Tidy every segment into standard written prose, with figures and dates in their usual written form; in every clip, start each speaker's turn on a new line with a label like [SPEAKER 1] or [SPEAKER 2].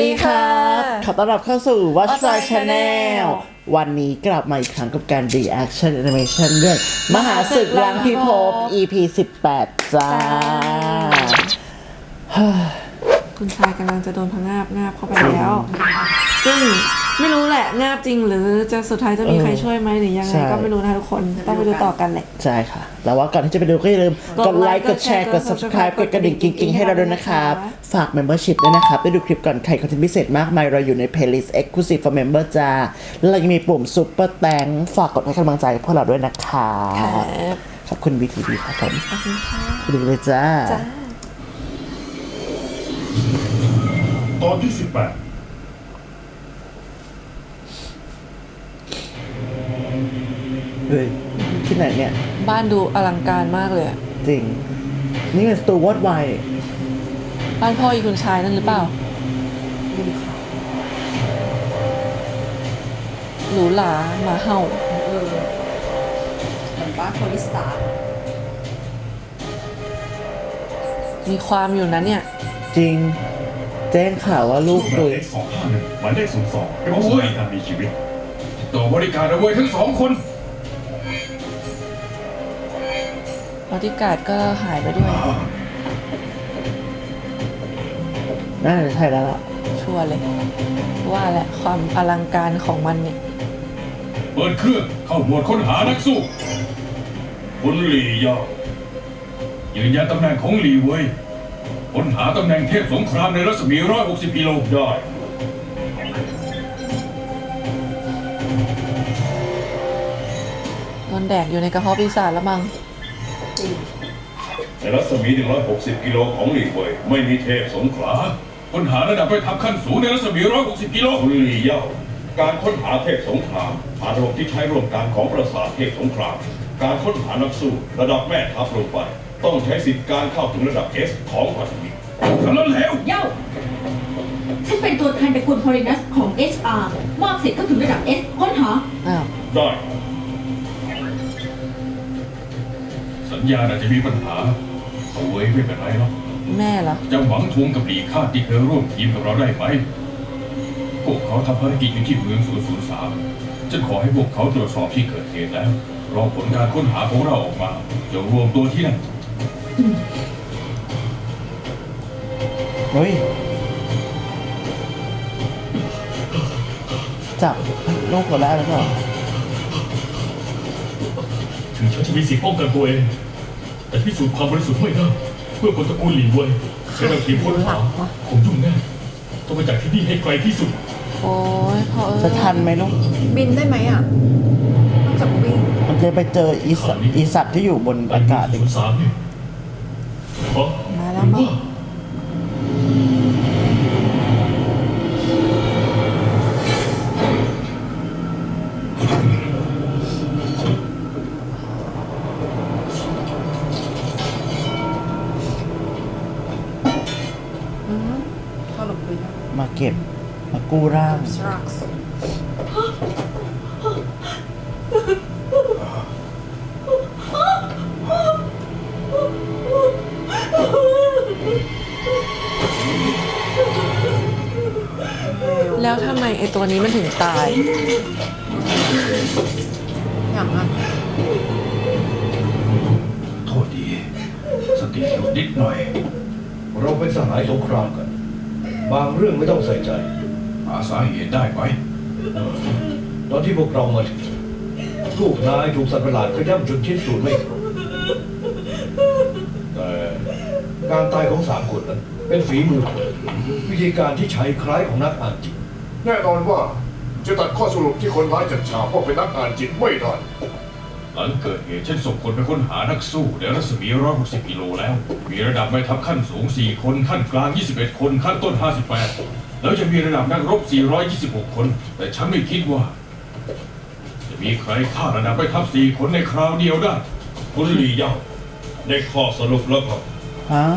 [SPEAKER 1] ดีครับขอต้อนรับเข้าสู่ Watch My
[SPEAKER 2] Watch My
[SPEAKER 1] Channel วันนี้กลับมาอีกครั้งกับการ Reaction Animation เรื่องมหาศึกล้างพิภพ EP 18 จ้า
[SPEAKER 2] คุณชายกำลังจะโดนพงาบงาบเข้าไปแล้ว ซึ่งไม่รู้แหละงาบจริงหรือจะสุดท้ายจะมีใครช่วยไหมหรือยังไงก็ไม่รู้นะทุกคนต้องไปดูต่อกันแหละ
[SPEAKER 1] ใช่ค่ะ แต่ว่าก่อนที่จะไปดูก็อย่าลืมกดไลค์ กดแชร์ กด subscribe กดกระดิ่งกิ๊งๆ ให้เราด้วยนะครับ ฝาก membership ด้วยนะครับ ได้ดูคลิปก่อนใครคอนเทนต์พิเศษมากมาย เราอยู่ใน playlist exclusive for member จ้า แล้วเรายังมีปุ่ม super thanks ฝากกดให้กำลังใจพวกเราด้วยนะครับขอบคุณ BTV ครับผมไปดูเลยจ้า
[SPEAKER 3] ตอนที่ 18
[SPEAKER 1] เฮ้ยที่ไหนเนี่ย
[SPEAKER 2] บ้านดูอลังการมากเลยอะ
[SPEAKER 1] จริง นี่เป็นสตูวอดไว
[SPEAKER 2] บ้านพ่ออีคุณชายนั่นหรือเปล่าหรูหราหมาเห่า
[SPEAKER 4] เหมือนบ้านโทนิสตาร์
[SPEAKER 2] มีความอยู่นะเนี่ย
[SPEAKER 1] จริง แจ้งข่าวว่าลูก
[SPEAKER 3] โด
[SPEAKER 1] โด
[SPEAKER 3] ย
[SPEAKER 1] ย
[SPEAKER 3] X251 หมายเลข02เป็นผู้สัญญาการมีชีวิตต่อบริการเอาไว้ทั้งสองคน
[SPEAKER 2] บอดี้การ์ดก็หายไปด้วย
[SPEAKER 1] น่าจะใช่แล้วล่ะ
[SPEAKER 2] ชัวร์เลย ว่าแหละความอลังการของมันเนี่ย
[SPEAKER 3] เปิดเครื่องเข้าหมวดค้นหานักสู้คุณหลี่เย่ายืนยันตำแหน่งของหลี่เว่ยค้นหาตำแหน่งเทพสงครามในรัศมี160กิโลได้
[SPEAKER 2] โดนแดกอยู่ในกระเพาะปีศาจแล้วมั้ง
[SPEAKER 3] ในรัศมี160กิโลของหลี่เว่ยไม่มีเทพสงขลาค้นหาระดับไปทับขั้นสูงในรัศมี160กิโลคุณหลี่เย่าการค้นหาเทพสงครามผ่านระบบที่ใช้ร่วมกันของประสาทเทพสงครามการค้นหานักสู้ระดับแม่ทัพลงไปต้องใช้สิทธิการเข้าถึงระดับ S ของพันธมิตรสำนักแล้ว
[SPEAKER 4] เย้าฉันเป็นตัวแทนตระกูลพอลินัสของ HR มอบสิทธิ์เข้าถึงระดับ S ค้นหา
[SPEAKER 2] อ้าว
[SPEAKER 3] ได้สัญญาณอาจจะมีปัญหาเอาไว้ไม่เป็นไรหรอก
[SPEAKER 2] แม่เหรอ
[SPEAKER 3] จะหวังทวงกับหลีคาดที่เคยร่วมทีมกับเราได้ไหมพวกเขาทำภารกิจอยู่ที่เมือง003ฉันขอให้พวกเขาตรวจสอบที่เกิดเหตุแล้วรอผลการค้นหาของเราออกมาจะรวมตัวที่นั่น
[SPEAKER 1] เฮ้ย จับลูกคนแรกแล้วก็
[SPEAKER 5] ถึงฉันจะมีสิทธิ์ป้องกันตัวเอง แต่พิสูจน์ความบริสุทธิ์ไม่ได้เพื่อคนตระกูลหลีเว่ยใช้เราทีมค้นหาคงยุ่งแน่ต้องไปจากที่นี่ให้ไกลที่สุด
[SPEAKER 2] โอ้ยพอ
[SPEAKER 1] จะทันไหมลูก
[SPEAKER 4] บินได้ไหมอ่ะต้องจับวิ่ง
[SPEAKER 1] มันจะไปเจออีสัตว์ที่อยู่บนอากาศอีก
[SPEAKER 5] 03เนี่ยอ๋อ
[SPEAKER 2] มาแล้วมั้ง
[SPEAKER 4] เข้าหลบไปแล้ว
[SPEAKER 1] มาเก็บ มากู้ร่าง
[SPEAKER 4] สรักส์
[SPEAKER 2] แล้วทำไมไอตัวนี้มันถึงตาย
[SPEAKER 4] อย่างอ่ะ
[SPEAKER 3] โทษดีสติหลุดนิดหน่อย
[SPEAKER 6] เราเป็นสหายสงครามกัน บางเรื่องไม่ต้องใส่ใจ
[SPEAKER 3] หาสาเหตุได้ไหม
[SPEAKER 6] ตอนที่พวกเรามาถึงลูกนายถูกสัตว์ประหลาดขย้ำจนชิ้นส่วนไม่ครบแต่การตายของสามคนนั้นเป็นฝีมือคนวิธีการที่ใช้คล้ายของนักอ่านจิต
[SPEAKER 7] แน่นอนว่าจะตัดข้อสรุปที่คนร้ายจัดฉากว่าเป็นนักอ่านจิตไม่ได้
[SPEAKER 3] หลังเกิดเหตุฉันส่งคนไปค้นหานักสู้ในรัศมี160กิโลแล้ว มีระดับแม่ทัพขั้นสูง4คนขั้นกลาง21คนขั้นต้น58แล้วจะมีระดับนักรบ426คนแต่ฉันไม่คิดว่า จะมีใครฆ่าระดับแม่ทัพ4คนในคราวเดียวได้คุณหลี่เย่าได้ข้อสรุปแล้วครับ
[SPEAKER 1] ฮะ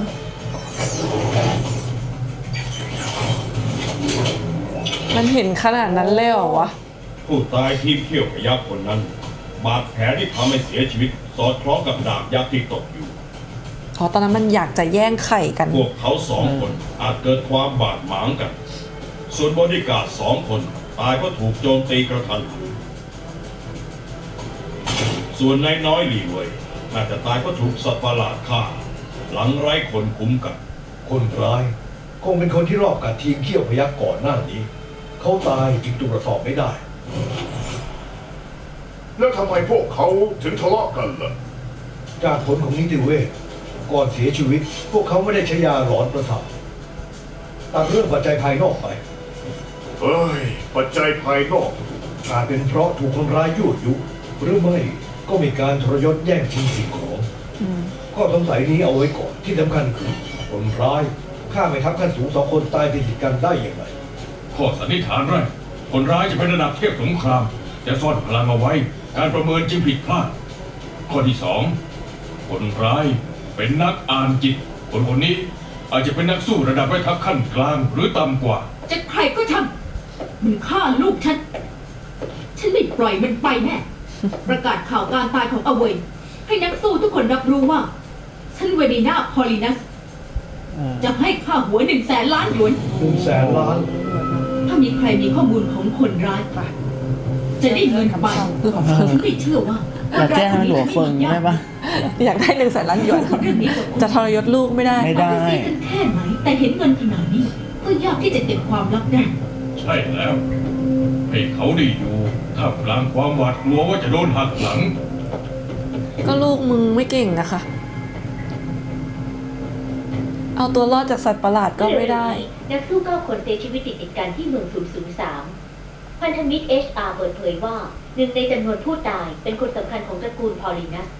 [SPEAKER 2] มันเห็นขนาดนั้นเลยเหรอวะ
[SPEAKER 3] ผู้ตายทีมเขี้ยวพยักคนนั้น บาดแผลที่ทำให้เสียชีวิต สอดคล้องกับดาบยักษ์ที่ตกอยู่
[SPEAKER 2] เพราะตอนนั้นมันอยากจะแย่งไข่กัน
[SPEAKER 3] พวกเขาสองคนอาจเกิดความบาดหมางกัน
[SPEAKER 8] ส่วนบอดี้การ์ด2 คนตายเพราะถูกโจมตีกระทันหันส่วนนายน้อยหลีเว่ยน่าจะตายเพราะถูกสัตว์ประหลาดฆ่า หลังไร้คนคุ้มกัน
[SPEAKER 6] คนร้ายคงเป็นคนที่รอบกัดทีมเขี้ยวพยักก่อนหน้านี้ เขาตายจึงตรวจสอบไม่ได้
[SPEAKER 7] แล้วทำไมพวกเขาถึงทะเลาะกันล่ะ
[SPEAKER 6] จากผลของนิติเวชก่อนเสียชีวิต พวกเขาไม่ได้ใช้ยาหลอนประสาทตัดเรื่องปัจจัยภายนอกไป
[SPEAKER 7] เอ้ย ปัจจัยภายนอก
[SPEAKER 6] อาจเป็นเพราะถูกคนร้ายยั่วยุ หรือไม่ก็มีการทรยศแย่งชิงสิ่งของข้อสงสัยนี้เอาไว้ก่อนที่สำคัญคือคนร้ายฆ่าไม่ทัพขั้นสูง2 คนตายติดกันได้อย่างไร
[SPEAKER 3] ข้อสันนิษฐานแรกคนร้ายจะเป็นระดับเทพสงครามแต่ซ่อนพลังเอาไว้ การประเมินจึงผิดพลาด ข้อที่ 2 คนร้ายเป็นนักอ่านจิต คนนี้อาจจะเป็นนักสู้ระดับแม่ทัพขั้นกลางหรือต่ำกว่า
[SPEAKER 4] จะใครก็ช่างมันฆ่าลูกฉัน ฉันไม่ปล่อยมันไปแน่ ประกาศข่าวการตายของอเวยให้นักสู้ทุกคนรับรู้ว่า ฉันเวนีนาพอลินัส จะให้ค่าหัว100,000 ล้านหยวน
[SPEAKER 6] 100,000 ล้าน
[SPEAKER 4] ถ้ามีใครมีข้อมูลของคนร้ายไปจะได้เงินไปฉันไม่เชื่อว่า
[SPEAKER 1] อยากแจ้งให้หลวงเฟิงได้ปะ
[SPEAKER 2] อยากได้100,000 ล้านหยวน
[SPEAKER 4] เรื่องนี้กับ
[SPEAKER 2] จะทรยศลูกไม่ได้
[SPEAKER 1] ไม่ได้
[SPEAKER 4] เอาปเสียกันแค่ไหนแต่เห็นเงินขนาดนี้ ก็ยากที่จะเก็บความลับได้
[SPEAKER 3] ใช่แล้ว ให้เขาได้อยู่ท่ามกลางความหวาดกลัวว่าจะโดนหักหลัง
[SPEAKER 2] ก็ลูกมึงไม่เก่งนะคะ เอาตัวรอดจากสัตว์ประหลาดก็ไม่ได้
[SPEAKER 9] นักสู้9 คนเสียชีวิตติดกันที่เมือง 003 พันธมิตร HR เปิดเผยว่าหนึ่งในจำนวนผู้ตายเป็นคนสำคัญของตระกูลพอลินัส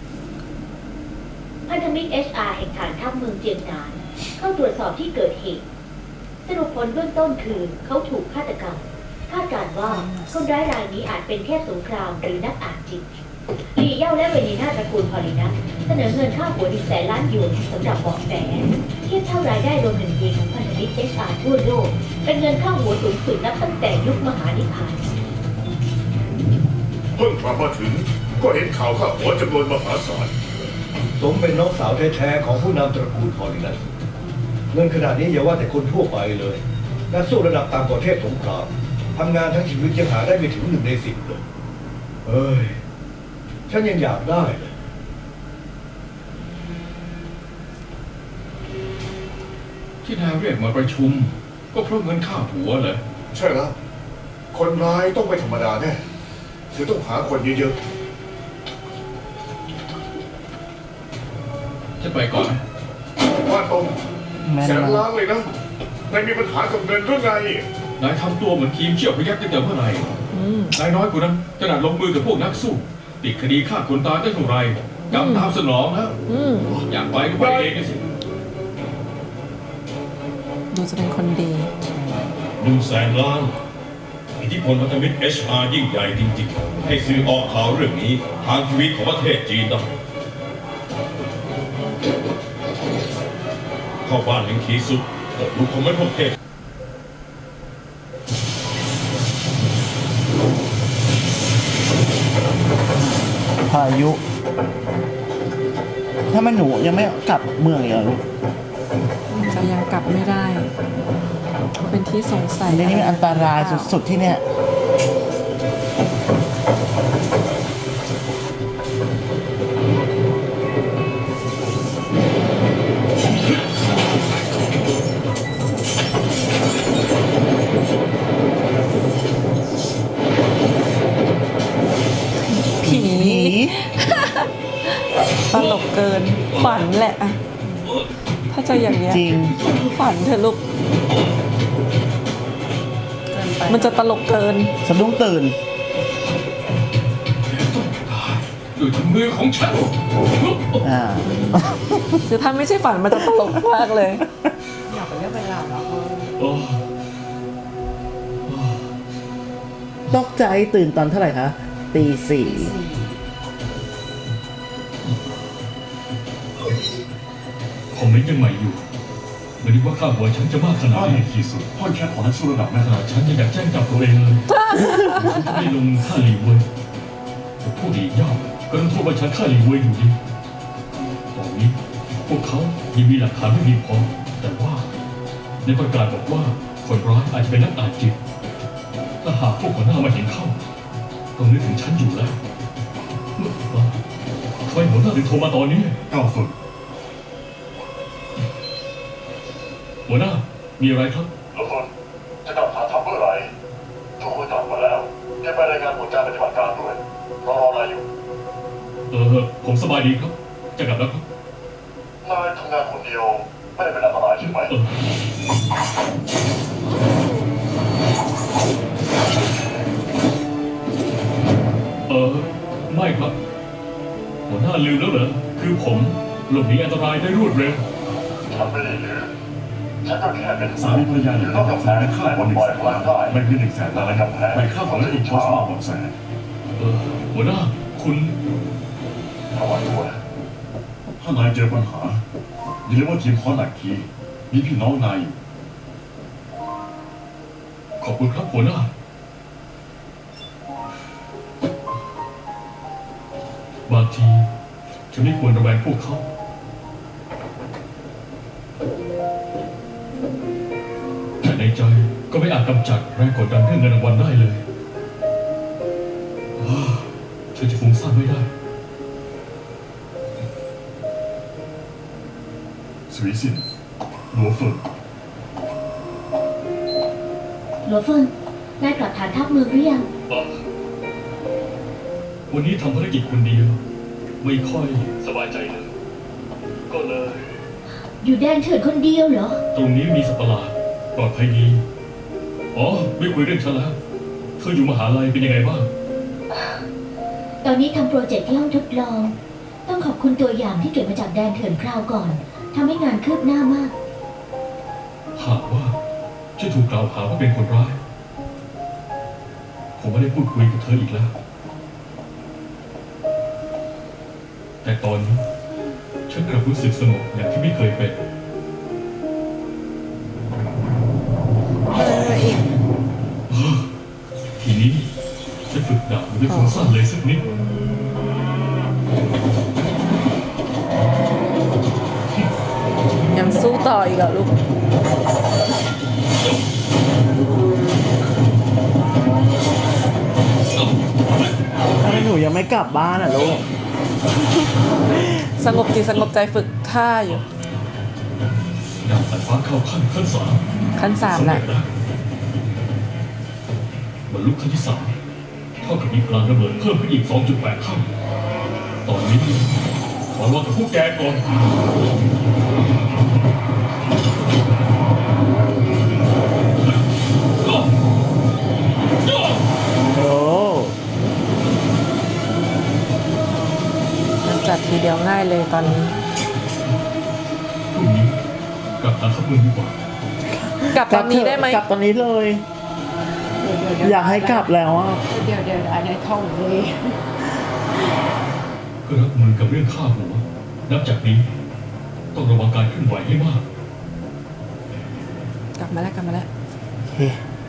[SPEAKER 9] พันธมิตร HR แห่งฐานทัพเมืองเจียงหนานเข้าตรวจสอบที่เกิดเหตุ สรุปผลเบื้องต้นคือเขาถูกฆาตกรรม คาดการณ์ว่าคนร้ายรายนี้อาจเป็นแค่สงครามหรือนักอ่านจิตหลี่เย่าและเวนีนาตระกูลพอลินัสเสนอเงินค่าหัว100,000 ล้านหยวนสำหรับเบาะแสเทียบเท่ารายได้รวม1 ปีของพันธมิตร HR ทั่วโลกเป็นเงินค่าหัวสูงสุดนับตั้งแต่ยุคมหานิพพาน
[SPEAKER 7] เพิ่งกลับมาถึง ก็เห็นข่าวข้าหัวจำนวนมหาศาล
[SPEAKER 6] สมเป็นน้องสาวแท้ๆของผู้นำตระกูลพอลินัสเงินขนาดนี้อย่าว่าแต่คนทั่วไปเลยนักสู้ระดับต่ำกว่าเทพสงครามทำงานทั้งชีวิตยังหาได้ไม่ถึง1 ใน 10เลยเอ้ยฉันยังอยากได้เลย
[SPEAKER 3] ที่นายเรียกมาประชุม ก็เพราะเงินค่าหัวเหรอ
[SPEAKER 7] ใช่แล้ว คนร้ายต้องไม่ธรรมดาแน่ถึงต้องหาคนเยอะ
[SPEAKER 3] จะไปก่อนนะ
[SPEAKER 7] ๆว่าตรง
[SPEAKER 1] แม่น
[SPEAKER 7] แสน
[SPEAKER 1] มาก
[SPEAKER 7] ล้านเลยนะนายมีปัญหากับเงินหรือไง
[SPEAKER 3] นายทำตัวเหมือนทีมเชี่ยวพยักตั้งแต่เมื่อไหร่นายน้อยกว่านั้นขนาดลงมือกับพวกนักสู้ ติดคดีฆ่าคนตายได้เท่าไหร่กำตามสนองแล้วอยากไปก็ไปเองนะสิ
[SPEAKER 2] ดูจะเป็นคนดี
[SPEAKER 8] 100,000 ล้าน อิทธิพลพันธมิตร HR ยิ่งใหญ่จริงๆ ให้สื่อออกข่าวเรื่องนี้ทางชีวิตของประเทศจีนได้เข้าบ้านแห่งขีสุดตกลุกของไม่พวกเทพ
[SPEAKER 1] พายุ ถ้ามันหนูยังไม่กลับเมืองอีกเหรอลูก
[SPEAKER 2] จะยังกลับไม่ได้เป็นที่สงสัย
[SPEAKER 1] ในนี้มันอันตรายสุดๆที่เนี่ย
[SPEAKER 2] ผี ตลกเกิน ฝันแหละอะถ้าจะอย่างเนี้ย
[SPEAKER 1] จริง
[SPEAKER 2] ฝันเถอะลูก มันจะตลกเกิน
[SPEAKER 1] สะดุ้งตื่น
[SPEAKER 3] ด้วยถุงมือของฉัน
[SPEAKER 1] อ่า
[SPEAKER 2] คือถ้าไม่ใช่ฝันมันจะตลกมากเลย
[SPEAKER 1] ตกใจตื่นตอนเท่าไหร่คะตี 4
[SPEAKER 5] คอมเมนต์ยังใหม่อยู่ไม่นึกว่าค่าหัวฉันจะมากขนาดนี้ที่สุดพ่อแค่ขอนักสู้ระดับแม่ขนาดฉันยังอยากแจ้งจับตัวเองเลยฉันจะไม่ลงค่าหลีเว่ยแต่ผู้ดีย่อมก็ต้องโทษว่าฉันฆ่าหลีเว่ยอยู่ดีตอนนี้พวกเขายังมีหลักฐานไม่มีพอแต่ว่าในประกาศบอกว่าคนร้ายอาจจะเป็นนักอ่านจิตถ้าหากพวกหัวหน้ามาเห็นเข้าต้องนึกถึงฉันอยู่แล้วทำไมหัวหน้าถึงโทรมาตอนนี้ก้าวฝึกหัวหน้ามีอะไรครับ
[SPEAKER 7] ทุกคนจะกลับหาทำเมื่อไหร่ทุกคนกลับมาแล้วแกไปรายงานผลการปฏิบัติการด้วยรอนายอยู่
[SPEAKER 5] ผมสบายดีครับ จะกลับแล้วครับ
[SPEAKER 7] นายทำงานคนเดียวไม่ได้เป็นอันตรายใช่ไหม
[SPEAKER 5] ไม่ครับ หัวหน้าลืมแล้วเหรอ คือผมหลบหนีอันตรายได้รวดเร็ว
[SPEAKER 7] ฉันไม่ได้ลืมฉันก็แค่เป็น
[SPEAKER 10] สามีภรรยาหนึ่ง
[SPEAKER 7] ต้องกับแผนฆ่าคนปล่อยพลังได้
[SPEAKER 10] ไม่เพียง100,000 ล้าน
[SPEAKER 7] กับแผน
[SPEAKER 10] ไปฆ่าของและถูกโพสต์มาบอกแส
[SPEAKER 5] หัวหน้าคุณ
[SPEAKER 7] ระวังตัว
[SPEAKER 10] ถ้านายเจอปัญหาอย่าลืมว่าทีมคอหนักทีมีพี่น้องนายอยู่
[SPEAKER 5] ขอบคุณครับหัวหน้า บางทีฉันไม่ควรระแวงพวกเขา แต่ในใจก็ไม่อาจกำจัดแรงกดดันเรื่องเงินรางวัลได้เลยฉันจะฟุ้งซ่านไม่ได้
[SPEAKER 10] สวีซินหลัวเฟิง
[SPEAKER 9] หลัวเฟิงนายกลับฐานทัพเมืองหรือยัง
[SPEAKER 5] วันนี้ทำภารกิจคนเดียว ไม่ค่อยสบายใจเลย ก็เลย
[SPEAKER 9] อยู่แดนเถื่อนคนเดียวเหรอ
[SPEAKER 5] ตรงนี้มีสัตว์ประหลาดปลอดภัยดี ไม่คุยเรื่องฉันแล้ว เธออยู่มหาลัยเป็นยังไงบ้าง
[SPEAKER 9] ตอนนี้ทำโปรเจกต์ที่ห้องทดลอง ต้องขอบคุณตัวอย่างที่เก็บมาจากแดนเถื่อนคราวก่อนทำให้งานคืบหน้ามาก
[SPEAKER 5] หากว่าฉันถูกกล่าวหาว่าเป็นคนร้าย ผมไม่ได้พูดคุยกับเธออีกแล้ว แต่ตอนนี้ฉันกลับรู้สึกสงบอย่างที่ไม่เคยเป็น
[SPEAKER 2] อีก
[SPEAKER 5] ทีนี้จะฝึกดาบด้วยฟุ้งซ่านเลยสักนิด
[SPEAKER 2] ยังสู้ต่ออีกเหรอลูก
[SPEAKER 1] ทำไมหนูยังไม่กลับบ้านอ่ะลูก
[SPEAKER 2] สงบจิตสงบใจฝึกท่าอยู่
[SPEAKER 5] ดาบสายฟ้าเข้าขั้น 3
[SPEAKER 2] ขั้น 3แหละ
[SPEAKER 5] บรรลุขั้นที่ 3 เท่ากับมีพลังระเบิดเพิ่มขึ้นอีก 2.8 เท่า ตอนนี้ขอรอกับพวกแกก่อน
[SPEAKER 1] โอ้
[SPEAKER 2] มันจัดทีเดียวง่ายเลยตอนนี้
[SPEAKER 5] พรุ่งนี้กลับทางเข้าเมืองดีกว่า
[SPEAKER 2] กลับตอนนี้ได้ไหม
[SPEAKER 1] กลับตอนนี้เลย อยากให้กลับแล้วอ่ะ
[SPEAKER 11] เดี๋ยวอันนี้ท่องเลย
[SPEAKER 5] เพื่อรับมือกับเรื่องฆ่าหัว นับจากนี้ ต้องระวังการเคลื่อนไหวให้มาก
[SPEAKER 2] กลับมาแล้วกลับมาแล้ว
[SPEAKER 1] โอเค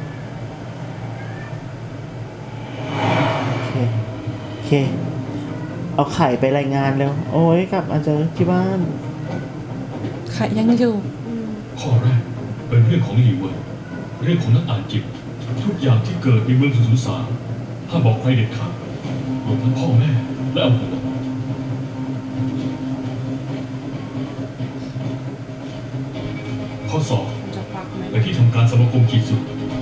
[SPEAKER 1] โอเค เอาไข่ไปรายงานแล้ว โอ้ยกลับมาเจอที่บ้าน
[SPEAKER 2] ใครยังอยู่
[SPEAKER 5] ข้อแรกเป็นเรื่องของหลีเวิร์เรื่องของนักอ่านจิต ทุกอย่างที่เกิดในเมือง003ห้ามบอกใครเด็ดขาดรวมทั้งพ่อแม่และอำเภอข้อ
[SPEAKER 11] จะฟักไหม
[SPEAKER 5] 2ไปที่ทำการสมาคมขีดสุด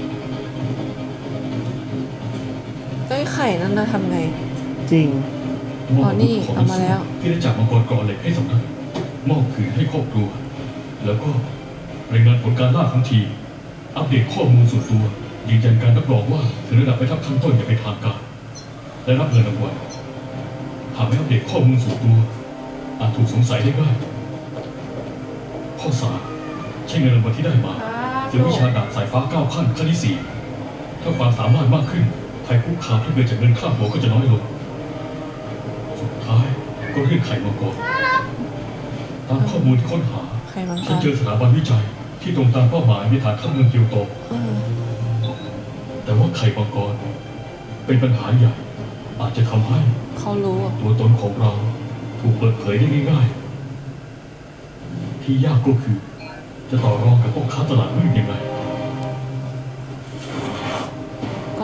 [SPEAKER 2] เอ้ยไข่นั่นนะทำไง
[SPEAKER 1] จริง
[SPEAKER 5] มอบ
[SPEAKER 2] อ๋อนี่
[SPEAKER 5] ของ
[SPEAKER 2] เอามาแล้ว
[SPEAKER 5] ที่ได้จากมังกรกรเหล็กให้สำนักมอบคืนให้ครอบครัว แล้วก็รายงานผลการล่าของทีมอัปเดตข้อมูลส่วนตัวยืนยันการรับรองว่าถึงระดับไปทับขั้นต้นอย่างเป็นทางการและรับเงินรางวัลหากไม่อัปเดตข้อมูลส่วนตัวอาจถูกสงสัยได้ง่ายข้อ 3ใช้เงินรางวัลที่ได้มาซื้อวิชาดาบสายฟ้า9 ขั้นที่ 4ถ้าความสามารถมากขึ้นภัยคุกคามที่เกิดจากเงินค่าหัวก็จะน้อยลงสุดท้ายก็เรื่องไข่มังกรตามข้อมูลที่ค้นหา
[SPEAKER 2] ไข่มังก
[SPEAKER 5] ฉัน
[SPEAKER 2] ร
[SPEAKER 5] เจอสถาบันวิจัยที่ตรงตามเป้าหมายในฐานข้ามเมืองเกียวโต แต่ว่าไข่มังกรเป็นปัญหาใหญ่ อาจจะทำให้
[SPEAKER 2] เขารู้อะ
[SPEAKER 5] ตัวตนของเราถูกเปิดเผยได้ง่ายๆ ที่ยากก็คือ จะต่อรองกับพวกค้าตลาดมืดยังไง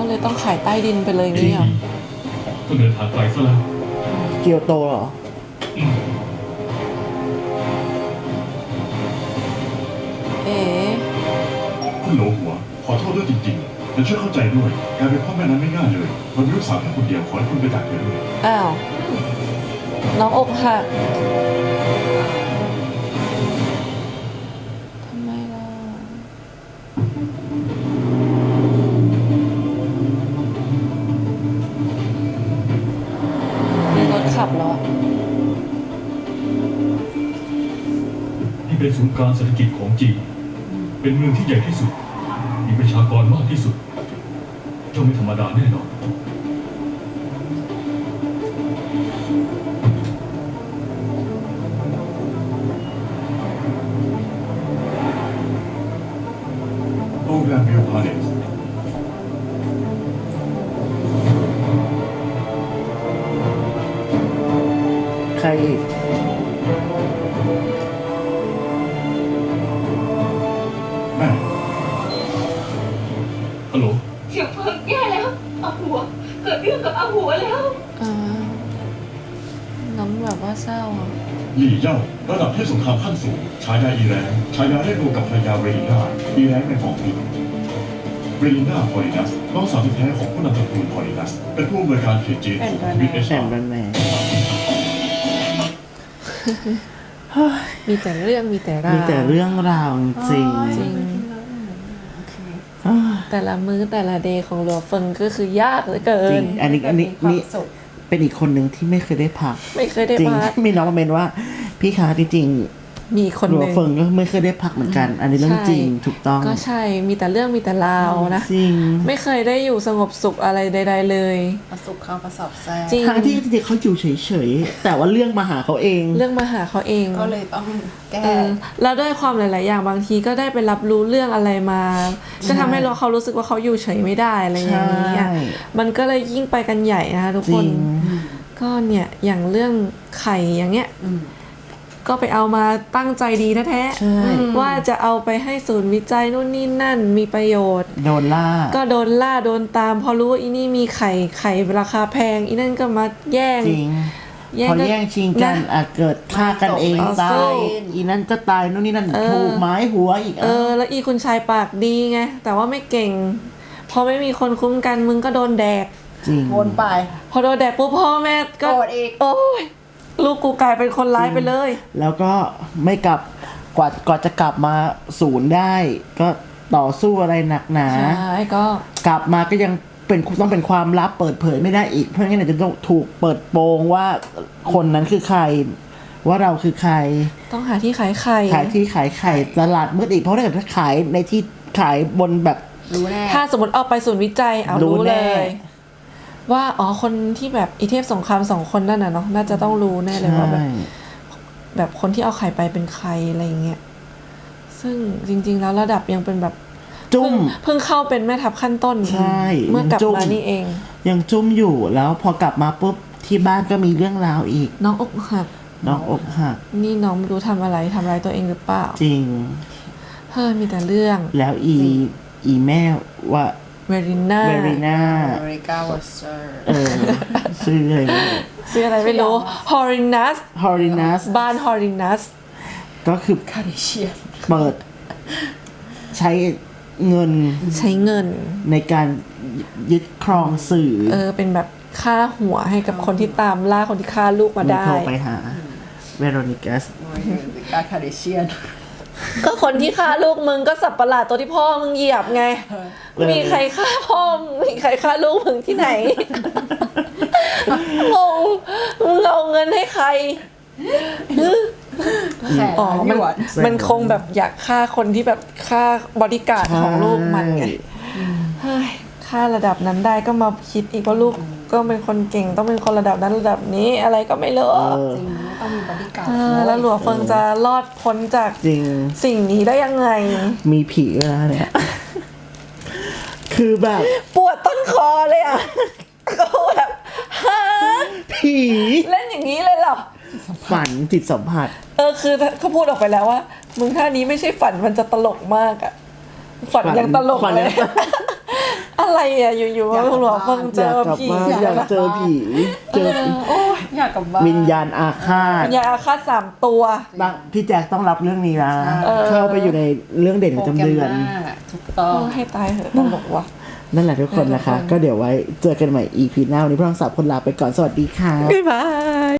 [SPEAKER 2] เลยต้องขายใต้ดินไปเลย
[SPEAKER 5] ที
[SPEAKER 2] เนี่ย
[SPEAKER 5] ต้องเดินทางไกลซะแล้ว
[SPEAKER 1] เกียวโตเหรอ
[SPEAKER 2] เอ๋
[SPEAKER 10] คุณโหลหัว ขอโทษด้วยจริงๆแต่ช่วยเข้าใจด้วยการเป็นพ่อแม่นั้นไม่ง่ายเลยเรามีลูกสาวแค่คนเดียวขอให้คุณไปจากเธอด้วย
[SPEAKER 2] อ้าวน้องอกหักทำไมล่ะมีรถขับเหรอ
[SPEAKER 5] นี่เป็นศูนย์กลางเศรษฐกิจของจีนเป็นเมืองที่ใหญ่ที่สุด มีประชากรมากที่สุดเจ้าไม่ธรรมดาแน่นอน
[SPEAKER 10] โรงแรมวิวพาเลส
[SPEAKER 1] ใครอีก
[SPEAKER 10] แม่
[SPEAKER 5] ฮัลโหล
[SPEAKER 4] เฉียบเพลิงแย่แล้วอาหัว เกิดเรื่องกับอาหัวแล้ว
[SPEAKER 2] น้องแบบว่าเศร้าอ่ะ
[SPEAKER 10] หลี่เย่าระดับเทพสงครามขั้นสูงฉายาอีแรงฉายาได้รวมกับภรรยาเรลิน่าอีแรงในของผิดเรลิน่าพอลินัสน้องสาวแท้ๆของผู้นำตระกูลพอลินัสเป็นผู้อำนวยการเขตจีนของทวิตเอช
[SPEAKER 1] แอมแบนแมน
[SPEAKER 2] มีแต่เรื่องมีแต่ราว
[SPEAKER 1] มีแต่เรื่องราวจริง
[SPEAKER 2] จริง แต่ละมื้อแต่ละเดย์ของหลัวเฟิงก็คือยากเหลือเกิ
[SPEAKER 1] จริ
[SPEAKER 2] น
[SPEAKER 1] ง อันนี้นี่เป็นอีกคนหนึ่งที่ไม่เคยได้พัก
[SPEAKER 2] ไม่เคยได้
[SPEAKER 1] จริง
[SPEAKER 2] พัก
[SPEAKER 1] มีน้องมาเมนว่า พี่คะจริง
[SPEAKER 2] มีคน
[SPEAKER 1] หลั
[SPEAKER 2] ห
[SPEAKER 1] ว
[SPEAKER 2] นึ่ง
[SPEAKER 1] เฟิงก็ไม่เคยได้พักเหมือนกัน อันนี้เรื่องจริงถูกต้อง
[SPEAKER 2] ก็ใช่มีแต่เรื่องมีแต่ราวนะ
[SPEAKER 1] จริง
[SPEAKER 2] ไม่เคยได้อยู่สงบสุขอะไรใด ๆ เลย
[SPEAKER 11] ประสบข้าวประสอบแซ่
[SPEAKER 2] จริง
[SPEAKER 1] ทั้งที่จริงๆเขาอยู่เฉยๆแต่ว่าเรื่องมาหาเขาเอง
[SPEAKER 2] เรื่องมาหาเขาเอง
[SPEAKER 11] ก็เลยต้องแก้
[SPEAKER 2] แล้วด้วยความหลาย ๆ อย่างบางทีก็ได้ไปรับรู้เรื่องอะไรมา ก็ทำให้เขารู้สึกว่าเขาอยู่เฉยไม่ได้อะไรอย่างนี้อะ
[SPEAKER 1] ใช่
[SPEAKER 2] มันก็เลยยิ่งไปกันใหญ่นะคะทุก
[SPEAKER 1] จ
[SPEAKER 2] ค
[SPEAKER 1] ริ
[SPEAKER 2] น
[SPEAKER 1] ง
[SPEAKER 2] ก็เนี่ยอย่างเรื่องไข่อย่างเงี้ยก็ไปเอามาตั้งใจดีนะแท้
[SPEAKER 1] ใช่
[SPEAKER 2] ว่าจะเอาไปให้ศูนย์วิจัยนู่นนี่นั่นมีประโยชน์
[SPEAKER 1] โดนล่า
[SPEAKER 2] ก็โดนล่าโดนตามพอรู้ว่าอีนี่มีไข่ราคาแพงอีนั่นก็มาแย่ง
[SPEAKER 1] จริง พอแย่งชิงกันเกิดฆ่ากันเอง
[SPEAKER 2] ไม่จบ
[SPEAKER 1] ตา
[SPEAKER 2] ไม่
[SPEAKER 1] ย
[SPEAKER 2] จบ
[SPEAKER 1] อีนั่นก็ตายนู่นนี่นั่น
[SPEAKER 2] เออ
[SPEAKER 1] ถูกไม้หัวอีก
[SPEAKER 2] แล้วอีคุณชายปากดีไงแต่ว่าไม่เก่ง พอไม่มีคนคุ้มกันมึงก็โดนแดก
[SPEAKER 1] จริง
[SPEAKER 11] วนไป
[SPEAKER 2] พอโดนแดกปุ๊บพ่อแม่ก็
[SPEAKER 11] โกรธอีก
[SPEAKER 2] โอ้ยลูกกูกลายเป็นคนร้ายไปเลย
[SPEAKER 1] แล้วก็ไม่กลับกว่าจะกลับมาศูนย์ได้ ก็ต่อสู้อะไรหนักหนา
[SPEAKER 2] ใช่ก็
[SPEAKER 1] กลับมาก็ยังต้องเป็นความลับเปิดเผยไม่ได้อีก เพราะงั้นเดี๋ยวจะต้องถูกเปิดโปงว่าคนนั้นคือใคร ว่าเราคือใคร
[SPEAKER 2] ต้องหาที่ขายไข่
[SPEAKER 1] ขายที่ขายไข่ตลาดมืดอีกเพราะถ้าเกิดถ้าขายในที่ขายบนแบบ
[SPEAKER 11] รู้แน่
[SPEAKER 2] ถ้าสมมติเอาไปศูนย์วิจัยเอา
[SPEAKER 1] รู้
[SPEAKER 2] รู้
[SPEAKER 1] แน่
[SPEAKER 2] เลย ว่าอ๋อคนที่แบบอีเทพสงคราม2 คนนั่นน่ะเนาะน่าจะต้องรู้แน่เลยว่าแบบคนที่เอาไข่ไปเป็นใครอะไรอย่างเงี้ยซึ่งจริง ๆ แล้วระดับยังเป็นแบบ
[SPEAKER 1] จุ้ม
[SPEAKER 2] เพิ่งเข้าเป็นแม่ทัพขั้นต้น
[SPEAKER 1] ใช่
[SPEAKER 2] เมื่อกลับ
[SPEAKER 1] จุ้ม
[SPEAKER 2] มานี่เอง
[SPEAKER 1] ยังจุ้มอยู่แล้วพอกลับมาปุ๊บที่บ้านก็มีเรื่องราวอีก
[SPEAKER 2] น้องอกหัก
[SPEAKER 1] น้องอกหัก
[SPEAKER 2] นี่น้องไม่รู้ทำอะไรตัวเองหรือเปล่า
[SPEAKER 1] จริง
[SPEAKER 2] เฮ้ยมีแต่เรื่อง
[SPEAKER 1] แล้วอีแม่ว่า
[SPEAKER 2] เวริน่า
[SPEAKER 1] เวรีนา
[SPEAKER 11] อเมริกาวอเซอร์
[SPEAKER 1] ชื่ออะไร
[SPEAKER 2] ชื่ออะไรไม่รู้ฮอรินัส
[SPEAKER 1] ฮอรินัส
[SPEAKER 2] บ้านฮอรินัส
[SPEAKER 1] ก็คือ
[SPEAKER 11] คาริเชียน
[SPEAKER 1] เปิดใช้เงิน
[SPEAKER 2] ใช้เงิน
[SPEAKER 1] ในการยึดครองสื่อ
[SPEAKER 2] เป็นแบบค่าหัวให้กับคนที่ตามล่าคนที่ฆ่าลูกมาได้
[SPEAKER 1] โทรไปหาเวโรนิกัส
[SPEAKER 11] อเมริกาคาริเชียน
[SPEAKER 2] ก็คนที่ฆ่าลูกมึงก็สับประหลาดตัวที่พ่อมึงเหยียบไง มีใครฆ่าพ่อมึงมีใครฆ่าลูกมึงที่ไหน งงมึงเอาเงินให้ใคร
[SPEAKER 11] แสน
[SPEAKER 2] อ๋อ
[SPEAKER 11] ล้านหยวน
[SPEAKER 2] มันคงแบบอยากฆ่าคนที่แบบฆ่าบอดี้การ์ดของลูกมันไง เฮ้ยฆ่าระดับนั้นได้ก็มาคิดอีกว่าลูกก็เป็นคนเก่งต้องเป็นคนระดับนั้นระดับนี้อะไรก็ไม่รู้
[SPEAKER 11] จริงต้องมีบริการ
[SPEAKER 2] แล้วหลัวเฟิงจะรอดพ้นจาก
[SPEAKER 1] จริง
[SPEAKER 2] สิ่งนี้ได้ยังไง
[SPEAKER 1] มีผีแล้วเนี่ย คือแบบ
[SPEAKER 2] ปวดต้นคอเลยอ่ะ ก็แบบฮะ
[SPEAKER 1] ผี
[SPEAKER 2] เล่นอย่างนี้เลยเหรอ
[SPEAKER 1] ฝันจิตสัมผัส
[SPEAKER 2] คือเขาพูดออกไปแล้วว่า มึงท่านี้ไม่ใช่ฝันมันจะตลกมากอ่ะ ฝันยังตลก
[SPEAKER 1] ฝัน
[SPEAKER 2] เล
[SPEAKER 1] ยั
[SPEAKER 2] ย
[SPEAKER 1] ง
[SPEAKER 2] อะไรอะไรอ่ะอยู่ๆหลวงเฟิงเจ
[SPEAKER 1] อยาก
[SPEAKER 2] อก
[SPEAKER 1] ลับ
[SPEAKER 2] ผี
[SPEAKER 1] บ้านอยากเจอผีเจอ
[SPEAKER 2] โอ้ย
[SPEAKER 11] อยากกลับบ้าน
[SPEAKER 1] วิญญาณอาฆาต
[SPEAKER 2] วิญญาณอาฆาต3 ตัว
[SPEAKER 1] พี่แจ็คต้องรับเรื่องนี้นะ
[SPEAKER 11] ใช่
[SPEAKER 1] เข้าไปอยู่ในเรื่องเด่นประจำเดือน
[SPEAKER 11] โปรแกรมหน้าถูกต้อง
[SPEAKER 2] ให้ตายเหอะตลกว่ะ
[SPEAKER 1] นั่นแหละทุกคนนะคะ ก็เดี๋ยวไว้เจอกันใหม่ EP หน้าวันนี้พวกเราสามคนลาไปก่อนสวัสดีค่ะ
[SPEAKER 2] บ๊ายบาย